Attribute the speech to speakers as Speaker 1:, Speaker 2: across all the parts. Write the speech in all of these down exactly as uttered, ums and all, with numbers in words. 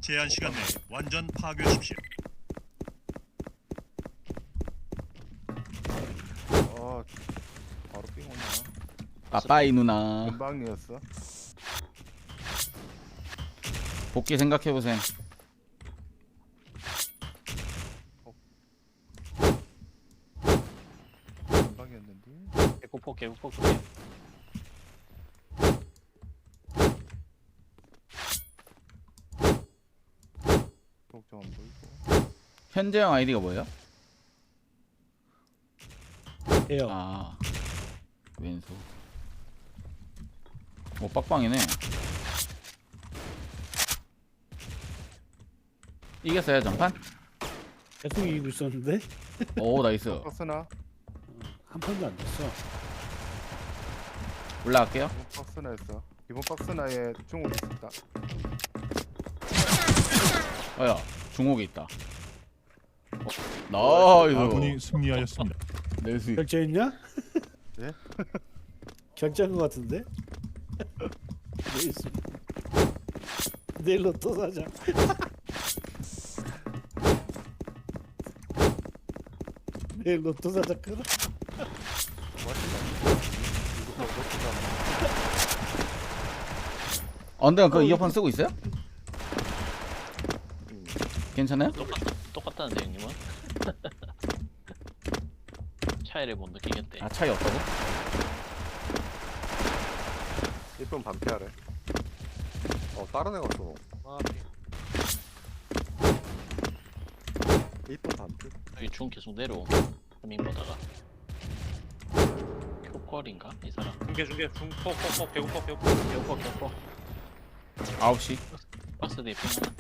Speaker 1: 제한 시간 내에 완전 파괴하십시오.
Speaker 2: 아 바로 삥 오냐.
Speaker 3: 빠빠이 누나
Speaker 2: 금방이었어.
Speaker 3: 복귀 생각해보셈.
Speaker 2: 금방이었는데.
Speaker 4: 개구폭 개구폭 그게.
Speaker 2: 걱정 안 보이고.
Speaker 3: 현재형 아이디가 뭐예요?
Speaker 5: 해요.
Speaker 3: 아 왼손. 오 빡빡이네. 이겼어요 전판?
Speaker 5: 계속 이기고 있었는데
Speaker 3: 오 나이스.
Speaker 2: 박스나
Speaker 5: 한 판도 안 됐어.
Speaker 3: 올라갈게요.
Speaker 2: 이번 박스나였어. 이번 박스나에 중국 있었다.
Speaker 3: 어야 중옥에 있다. 어,
Speaker 1: 아군이
Speaker 3: 나이스.
Speaker 1: 승리하였습니다.
Speaker 3: 내수.
Speaker 5: 결제했냐?
Speaker 2: 네?
Speaker 5: 결제한 것 같은데? 내일 수- 내일 로또 사자. 내일 로또 사자 끊어.
Speaker 3: 언더 그 이어폰 쓰고 있어요? 괜찮아요?
Speaker 4: 똑같 똑같다는데 형님은. 차이를 못 느끼겠대.
Speaker 3: 아 차이 없다고?
Speaker 6: 이쁜 반피하래. 어 다른 애가 쏘노.
Speaker 4: 아,
Speaker 6: 이쁜 반피.
Speaker 4: 여기 중 계속 내려오. 고민 보다가. 교컬인가 이 사람?
Speaker 7: 중계 중계 중폭폭폭 개구폭 개구폭
Speaker 4: 개구폭 개구폭.
Speaker 3: 아홉 시.
Speaker 4: 박스 뒤에 핑 하나.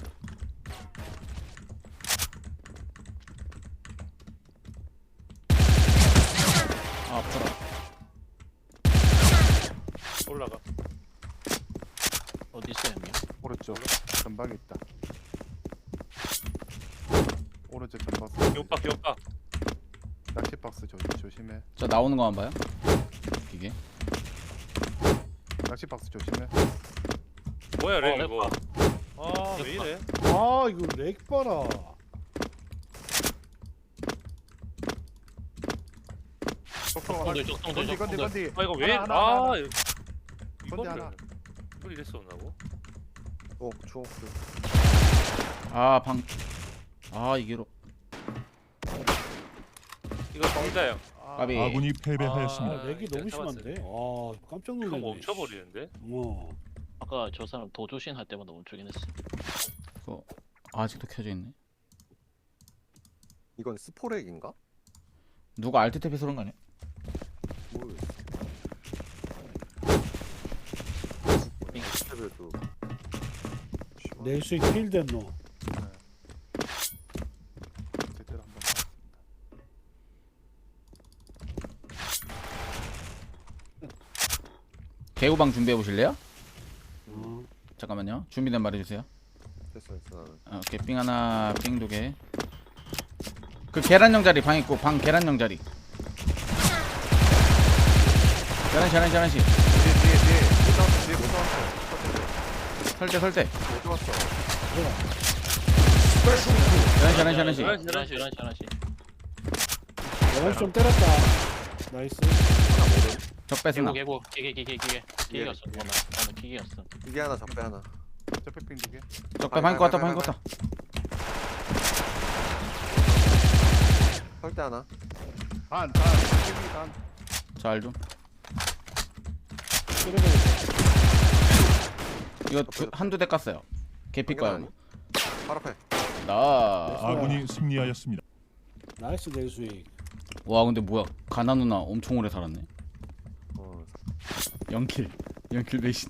Speaker 3: 아 아프다.
Speaker 7: 올라가.
Speaker 4: 어디 있어요 형님?
Speaker 2: 오른쪽 전방에 있다. 오른쪽 전박스.
Speaker 7: 개구박 개구박.
Speaker 2: 낚시 박스 조, 조심해.
Speaker 3: 저 나오는 거만 봐요. 이게.
Speaker 2: 낚시 박스 조심해.
Speaker 7: 뭐야
Speaker 4: 어,
Speaker 7: 렉
Speaker 4: 렉
Speaker 7: 이거. 아 왜 이래?
Speaker 5: 아 이거 렉 봐라.
Speaker 2: 속성
Speaker 4: 적동들 적동들
Speaker 2: 건디 건디
Speaker 4: 적동들.
Speaker 2: 건디.
Speaker 7: 아 이거 왜?
Speaker 2: 하나, 하나, 하나.
Speaker 7: 아
Speaker 2: 건디
Speaker 7: 이거를
Speaker 2: 하나.
Speaker 7: 이걸 이랬었나고?
Speaker 6: 어 주옥수.
Speaker 3: 아 방. 아 이게로.
Speaker 7: 이거 정자형.
Speaker 2: 아,
Speaker 3: 까비.
Speaker 1: 아군이
Speaker 5: 아
Speaker 1: 패배하였습니다.
Speaker 5: 렉이
Speaker 7: 이제
Speaker 5: 너무
Speaker 7: 잡았어요.
Speaker 5: 심한데. 아 깜짝
Speaker 7: 이거
Speaker 5: 놀랐네.
Speaker 7: 멈춰버리는데?
Speaker 5: 어.
Speaker 4: 아까 저 사람 도조신 할 때마다 멈추긴 했어.
Speaker 3: 그거 아직도 켜져 있네.
Speaker 6: 이건 스포렉인가?
Speaker 3: 누가 알트 탭에 쏘는 거 아니야?
Speaker 6: 모르겠어. 스텝에도
Speaker 5: 내일 수익 필된 너.
Speaker 2: 제대로 한번 봤습니다.
Speaker 3: 개구방 준비해 보실래요?
Speaker 5: 어.
Speaker 3: 잠깐만요. 준비된 말해주세요.
Speaker 6: 됐어 됐어 나는.
Speaker 3: 어, 오케이 삥 하나, 삥 두 개. 그 계란형 자리 방 있고 방 계란형 자리. 계란시 계란시 계란시.
Speaker 2: 뒤에 뒤에 뒤에 못 잡았어. 뒤에 못 잡았어.
Speaker 3: 설대 설대.
Speaker 2: 못 잡았어.
Speaker 3: 계란시 계란시 계란시.
Speaker 4: 하나씩 하나씩 하나씩.
Speaker 5: 영원 좀 때렸다. 나이스.
Speaker 3: 적배
Speaker 4: 개구
Speaker 3: 스나.
Speaker 4: 개구 기계 기계 기계 기계였어.
Speaker 6: 기계.
Speaker 4: 뭐나 나는 기계였어.
Speaker 6: 이게 하나 적배 하나.
Speaker 2: 저패핑 두 개.
Speaker 3: 적배 방인 것 같다 방인 것 같다.
Speaker 6: 설대 하나.
Speaker 2: 반, 반, 반, 반.
Speaker 3: 잘 좀.
Speaker 5: 때려버렸다.
Speaker 3: 이거 두, 한두 대 깠어요. 개피 거야.
Speaker 6: 아니? 바로 앞에.
Speaker 3: 나.
Speaker 1: 아군이 승리하였습니다.
Speaker 5: 나이스 내일 수익.
Speaker 3: 와 근데 뭐야 가나 누나 엄청 오래 살았네.
Speaker 6: 어.
Speaker 3: 영킬. 영킬 배신.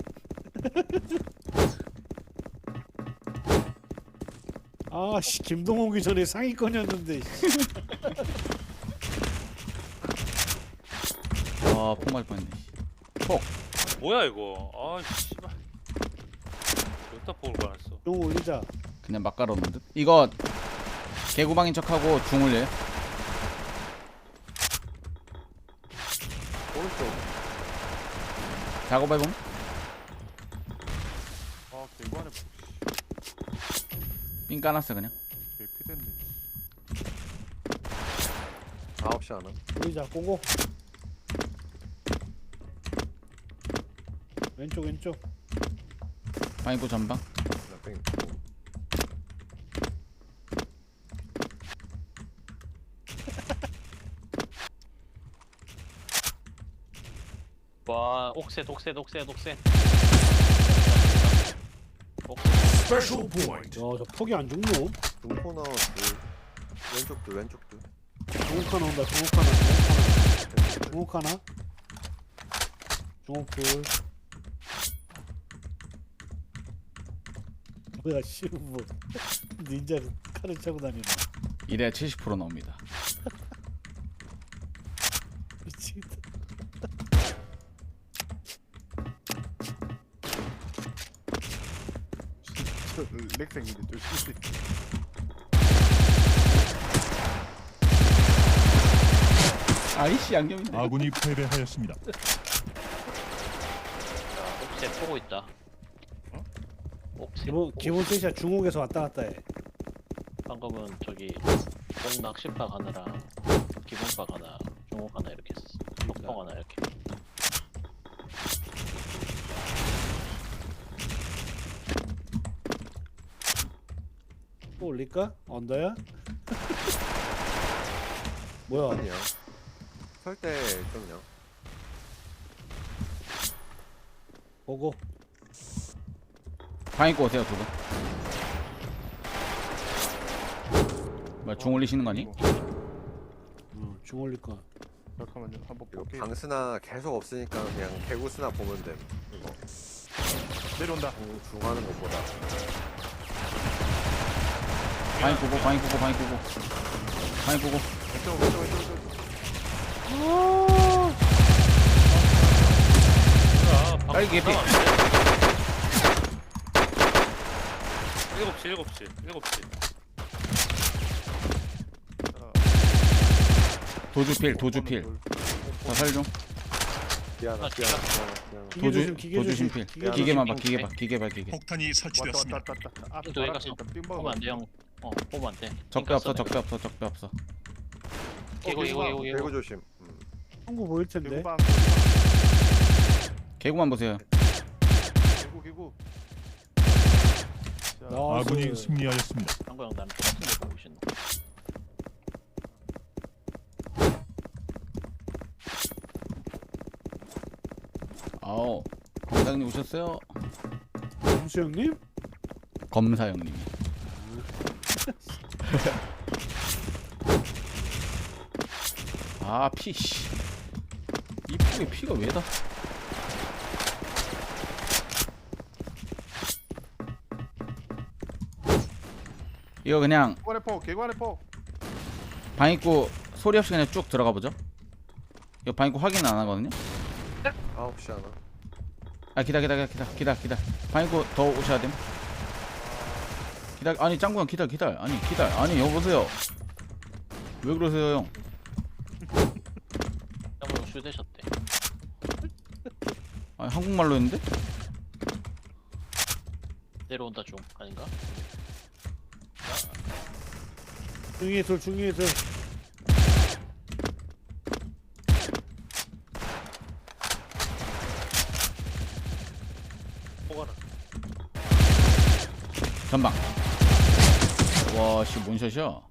Speaker 5: 아씨 김동 오기 전에 상위권이었는데.
Speaker 3: 아, 폭 맞을 뻔했네. 폭.
Speaker 7: 뭐야 이거? 아 씨발. 여기다 폭을 받았어.
Speaker 5: 용 올리자.
Speaker 3: 그냥 막 깔아놓은 듯. 이거 개구방인 척하고 중 올려요.
Speaker 6: 오른쪽.
Speaker 3: 작업해봄.
Speaker 2: 아, 개구 안에
Speaker 3: 삥 까놨어 그냥.
Speaker 2: 개 피됐네.
Speaker 6: 아홉 시 하나.
Speaker 5: 보이자 꼬고. 왼쪽 왼쪽.
Speaker 3: 방 입구 전방.
Speaker 6: 그냥 뺑.
Speaker 4: 와 옥셋 옥셋 옥셋 옥셋.
Speaker 1: Special point.
Speaker 5: 야저 폭이 안 죽노?
Speaker 6: 중코너 둘. 왼쪽 둘 왼쪽 둘.
Speaker 5: 중옥 하나 온다. 중옥 하나. 중옥 하나. 중옥 하나. 중옥 둘. 뭐야 씨뭐 닌자를 칼을 차고 다니네.
Speaker 3: 이래야 칠십 퍼센트 나옵니다.
Speaker 5: 미치겠다.
Speaker 2: 저 렉생인데 조심히.
Speaker 3: 아이씨 양념이네.
Speaker 1: 아군이 패배하였습니다.
Speaker 4: 자 옥셋 보고 있다.
Speaker 1: 어?
Speaker 4: 옥셋.
Speaker 5: 기본 기본 셋이야. 중옥에서 왔다 갔다 해.
Speaker 4: 방금은 저기 옥 낚시박 하나랑 기본박 하나, 중옥 하나 이렇게 했어. lok방 하나 이렇게.
Speaker 5: 또 올릴까? 언더야? 뭐야?
Speaker 6: 아니야. 설때 좀요.
Speaker 5: 보고.
Speaker 3: 방 입구 오세요 두 분. 뭐야 중 올리시는 거 아니?
Speaker 5: 어, 중 올릴 거.
Speaker 2: 잠깐만요. 한번
Speaker 6: 이거
Speaker 2: 볼게.
Speaker 6: 방스나 계속 없으니까 그냥 개구스나 보면 돼. 이거
Speaker 2: 내려온다.
Speaker 6: 중, 중하는 것보다.
Speaker 3: 방 입구고 방 입구고 방 입구고 방 입구고.
Speaker 2: 왼쪽 왼쪽 왼쪽 왼쪽.
Speaker 7: 야, 방
Speaker 3: 딸기 개피.
Speaker 7: 일곱 시 일곱 시 일곱 시.
Speaker 3: 도주필 도주필. 자살 중.
Speaker 6: 미안하
Speaker 4: 아,
Speaker 6: 미안하 미안하.
Speaker 5: 기계
Speaker 3: 도주
Speaker 5: 조심, 기계
Speaker 3: 도주신
Speaker 5: 조심.
Speaker 3: 필.
Speaker 5: 기계
Speaker 3: 기계만 봐
Speaker 4: 조심.
Speaker 3: 기계 봐 기계 봐 기계.
Speaker 1: 폭탄이
Speaker 2: 왔다
Speaker 1: 설치되었습니다.
Speaker 2: 왔다 왔다 왔다. 아,
Speaker 4: 핑 도에 갔어.
Speaker 2: 빙
Speaker 4: 보면
Speaker 2: 먹어.
Speaker 4: 안 돼 형. 어 보면 안 돼.
Speaker 3: 적배 없어 적배 없어 적배 없어.
Speaker 4: 개구 개구 개구
Speaker 6: 개구
Speaker 4: 개구.
Speaker 6: 조심. 음.
Speaker 5: 한국 보일 텐데.
Speaker 2: 개구방.
Speaker 3: 개구만 보세요.
Speaker 2: 개구 개구. 자,
Speaker 5: 나왔어.
Speaker 1: 아군이 승리하였습니다.
Speaker 4: 한거 형 나는 똑같은 데 보고 계신 거.
Speaker 3: 아오 검사장님 오셨어요?
Speaker 5: 범수 형님?
Speaker 3: 검사 형님. 아 피. 씨. 이 폭에 피가 왜다? 이거 그냥
Speaker 2: 개구 안에 포. 개구 안에 포.
Speaker 3: 방 입구 소리 없이 그냥 쭉 들어가 보죠. 이거 방 입구 확인 안 하거든요.
Speaker 6: 아홉 시 하나.
Speaker 3: 아 기다 기다 기다 기다 기다. 방 입구 더 오셔야 됨. 기다. 아니 짱구형 기다 기다. 아니 기다. 아니 여보세요. 왜 그러세요 형?
Speaker 4: 한거 형 슈되셨대.
Speaker 3: 아니 한국말로 했는데?
Speaker 4: 내려온다 중 아닌가?
Speaker 5: 중위에 둘, 중위에 둘.
Speaker 7: 포가나.
Speaker 3: 전방. 와씨 뭔샷이야?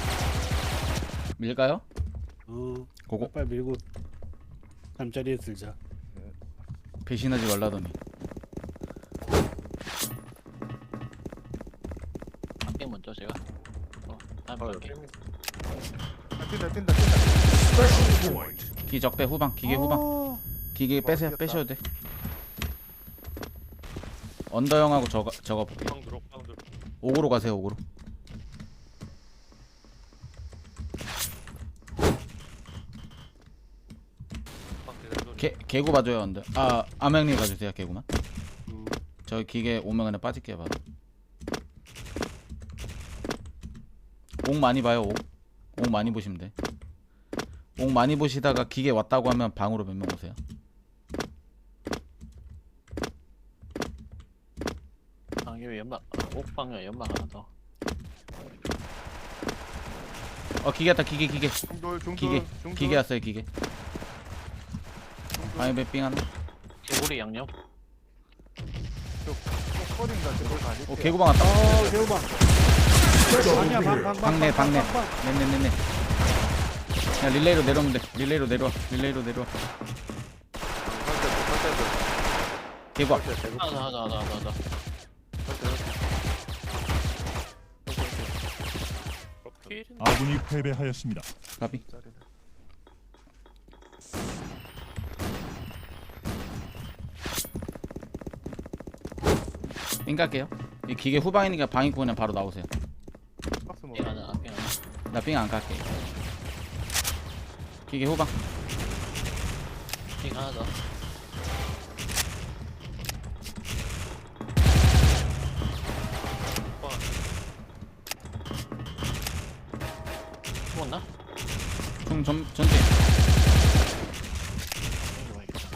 Speaker 3: 밀까요?
Speaker 5: 어.
Speaker 3: 고고.
Speaker 5: 빨리 밀고 잠자리에 들자.
Speaker 3: 배신하지 말라더니.
Speaker 4: 한게 먼저 제가. 어 다음
Speaker 6: 아,
Speaker 4: 갈게.
Speaker 6: 뺑-
Speaker 2: 아, 뛴다 뛴다 뛴다.
Speaker 1: Special point.
Speaker 3: 기적대 후방 기계 후방.
Speaker 5: 어.
Speaker 3: 기계 빼세요.
Speaker 2: 맛있겠다.
Speaker 3: 빼셔도 돼. 언더 형하고 저거 저거
Speaker 7: 방 들어 방 들어.
Speaker 3: 옥으로 가세요. 옥으로.
Speaker 7: 방 계단 소리.
Speaker 3: 개 개구 봐줘요 언더. 아 암행님 봐주세요 개구만.
Speaker 2: 음.
Speaker 3: 저 기계 오면 그냥 빠질게요 바로. 옥 많이 봐요 옥. 옥 많이 보시면 돼. 옥 많이 보시다가 기계 왔다고 하면 방으로 몇 명 오세요.
Speaker 4: 방에 연막. 아, 옥방에 연막 하나 더.
Speaker 3: 어 기계 왔다 기계 기계
Speaker 2: 중돌 중돌
Speaker 3: 기계
Speaker 2: 중돌.
Speaker 3: 기계 왔어요 기계. 방에 삥 하나.
Speaker 4: 개구리 양념.
Speaker 2: 커링가 저걸 아니.
Speaker 3: 오 개구방 왔다.
Speaker 5: 어 개우방. 방이야 방방
Speaker 3: 방내 방내. 네네네네. 야 릴레이로 내려오면 돼. 릴레이로 내려와. 릴레이로 내려와.
Speaker 6: 설대 설대도
Speaker 3: 개구방.
Speaker 6: 설대 대구
Speaker 4: 하나 하나 하나 하나 하나.
Speaker 7: 프로필
Speaker 1: 아군이 패배하였습니다.
Speaker 3: 가비. 삥 갈게요. 이 기계 후방이니까 방 입고 그냥 바로 나오세요.
Speaker 2: 박스 뭐.
Speaker 4: 삥 하나 삥 하나.
Speaker 3: 나 삥 안 갈게. 기계 후방.
Speaker 4: 삥 하나 더. 죽었나?
Speaker 3: 중 전, 전진.
Speaker 4: 땡겨봐야겠다.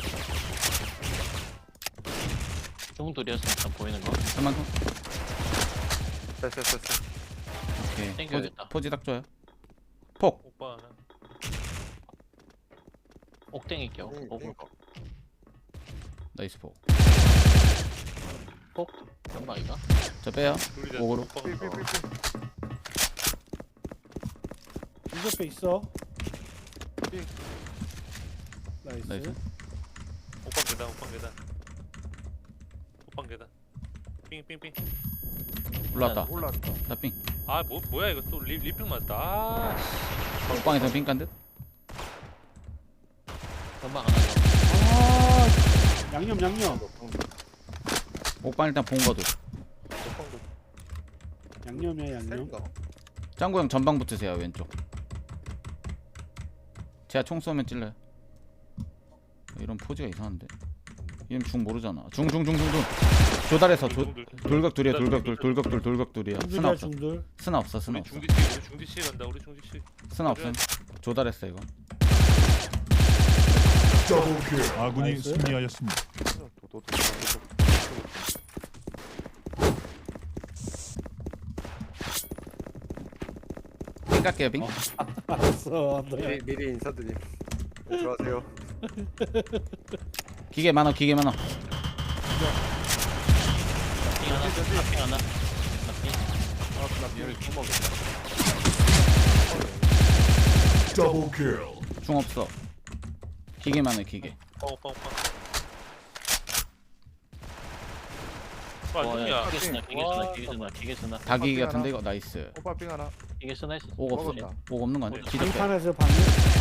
Speaker 4: 중돌이었으니까 보이는 거.
Speaker 3: 그만큼.
Speaker 6: 됐어 됐어
Speaker 3: 오케이. 포지,
Speaker 4: 땡겨야겠다.
Speaker 3: 포지 딱 좋아요. 폭.
Speaker 7: 오빠 하나.
Speaker 4: 옥땡이 껴.
Speaker 6: 응,
Speaker 4: 옥,
Speaker 6: 응.
Speaker 3: 나이스 폭.
Speaker 4: 폭. 연막이가?
Speaker 3: 저 빼요.
Speaker 7: 둘이다.
Speaker 3: 오고로.
Speaker 7: 오빠가
Speaker 2: 삐삐삐삐.
Speaker 5: 이 옆에 있어.
Speaker 2: 삥.
Speaker 5: 나이스.
Speaker 3: 나이스.
Speaker 7: 오빠 계단 오빠 계단. 오빠 계단. 삥삥삥.
Speaker 3: 올라왔다.
Speaker 2: 올라왔다.
Speaker 3: 나 삥.
Speaker 7: 아 뭐 뭐야 이거 또 리, 리필 맞다. 아.
Speaker 3: 폭방에서 삥 깐 듯.
Speaker 4: 연막 하나 더.
Speaker 5: 아 양념 양념.
Speaker 3: 옥방 일단 본 거도.
Speaker 5: 양념이야 양념.
Speaker 6: 센가
Speaker 3: 짱구 형 전방 붙으세요 왼쪽. 제가 총 쏘면 찔러요. 이런 포즈가 이상한데. 이름 중 모르잖아. 중 중 중 중 중. 조달해서 조, 돌격 둘이야 돌격 둘 돌격 둘 돌격 둘이야. 스나
Speaker 5: 중들이야
Speaker 3: 없어.
Speaker 5: 중들.
Speaker 3: 스나 없어 스나
Speaker 7: 우리
Speaker 3: 없어.
Speaker 7: 중디치 우리 중디치 간다. 우리 중디치.
Speaker 3: 스나 없음. 조달했어 이거.
Speaker 1: 아군이
Speaker 5: 나이스.
Speaker 1: 승리하였습니다.
Speaker 2: 도도도.
Speaker 3: 삥 깎게요 삥.
Speaker 5: 알았어. 네.
Speaker 6: 미리 미리 인사드림. 네, 들어가세요.
Speaker 3: 기계 많아 기계 많아.
Speaker 4: 삥 하나. 삥 하나. 삥.
Speaker 2: 아나 비를 못 먹겠다.
Speaker 3: 중 없어. 기계 많아 기계.
Speaker 7: 오빠 오빠 오빠.
Speaker 4: 와,
Speaker 7: 와
Speaker 4: 야,
Speaker 7: 야.
Speaker 4: 기계 쓰나, 기계 쓰나, 기계 쓰나, 기계 쓰나,
Speaker 3: 다 기계
Speaker 2: 하나.
Speaker 3: 같은데 이거 나이스.
Speaker 2: 오빠 삥 하나.
Speaker 4: 기계 쓰나 했어.
Speaker 3: 옥 없어.
Speaker 2: 먹었다.
Speaker 3: 옥 없는 거 아니야? 기적 빼.
Speaker 5: 방판에서 방금.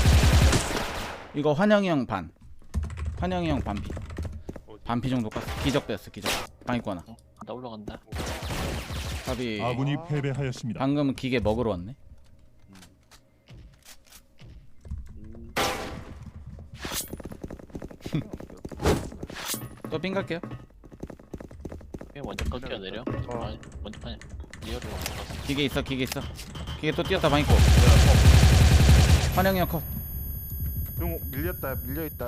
Speaker 3: 이거 환영이 형 반. 환영이 형 반피. 반피 정도 깠어. 기적 뺐어 기적. 방 입고 하나.
Speaker 4: 나 올라간다.
Speaker 3: 답이
Speaker 1: 아군이 패배하였습니다.
Speaker 3: 방금 기계 먹으러 왔네. 또 삥 갈게요.
Speaker 4: 삥 먼저 꺾여 내려.
Speaker 2: 어.
Speaker 4: 아, 먼저 파냐. 리얼로 먼저 갔어.
Speaker 3: 기계 있어 기계 있어. 기계 또 뛰었다 방 입고. 환영이 형 컷.
Speaker 2: 중 밀렸다 밀려 있다.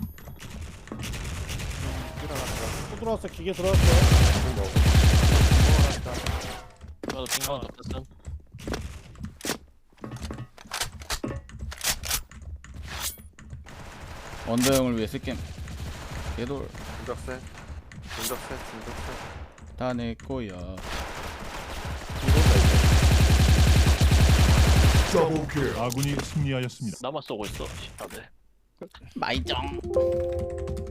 Speaker 2: 일어났다.
Speaker 5: 또 들어왔어 기계 들어왔어.
Speaker 2: 먹어놨다.
Speaker 4: 나도 삥 하나 더 꼈음.
Speaker 3: 원더 형을 위해 쓸게. 개돌
Speaker 6: 중적세 중적세 중적세
Speaker 3: 다 내 거야.
Speaker 1: 아군이 승리하였습니다.
Speaker 4: 나만 쏘고 있어. 씨, 다들.
Speaker 3: 마이정.